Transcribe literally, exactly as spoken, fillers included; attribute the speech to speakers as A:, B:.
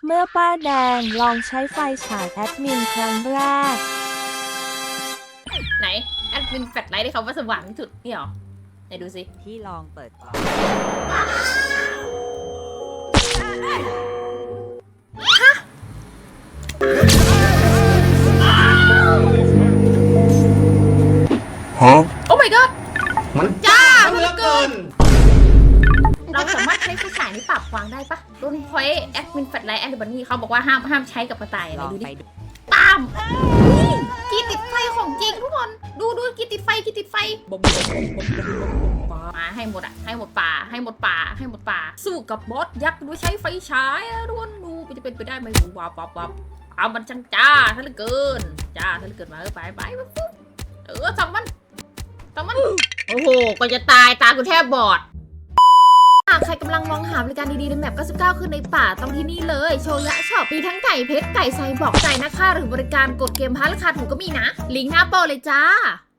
A: เมื่อป้าแดงลองใช้ไฟฉายแอดมินครั้งแรก
B: ไหนแอดมินแฟลชไลท์ที่เขาว่าสว่างที่สุดนี่หรอไหนดูสิ
C: พี่ลองเปิดก่อน
D: ฮะ
B: โอ้ my god
D: มัน
B: จ้า
D: เหลือเกิน
B: เราสามารถใช้ไฟฉายนี้ปรับวางได้ปะโดนพอยแอดมินแฟลชไลท์แอนด์บันนี่เขาบอกว่าห้ามห้ามใช้กับกระต่ายอะ
C: ล
B: ไร
C: อง
B: ดู
C: ไป
B: ดิ
C: ดู
B: ตามนี่กีติดไฟของจริงทุกคนดูดูกีติดไฟกีติดไฟบอมบอมบอมบอมบอมบอมมาให้หมดอะให้หมดป่าให้หมดป่าให้หมดป่าสู้กับบอสยักษ์โดยใช้ไฟฉายอะทุกคนดูจะเป็นไปได้ไหมว้าวว้าวว้าวเอามันช่างจ้าท่านเหลือเกินจ้าท่านเหลือเกินมาเออไปไปปุ๊บเออสองมันสองมันโอ้โหก็จะตายตากูแทบบอดหากใครกำลังมองหาบริการดีๆในแมปเก้าสิบเก้าคือในป่าต้องที่นี่เลยโชยะช็อปมีทั้งไก่เพชรไก่ไซบอกไก่นะคะหรือบริการกดเกมพาราคาถูกก็มีนะลิงก์หน้าโปรเลยจ้า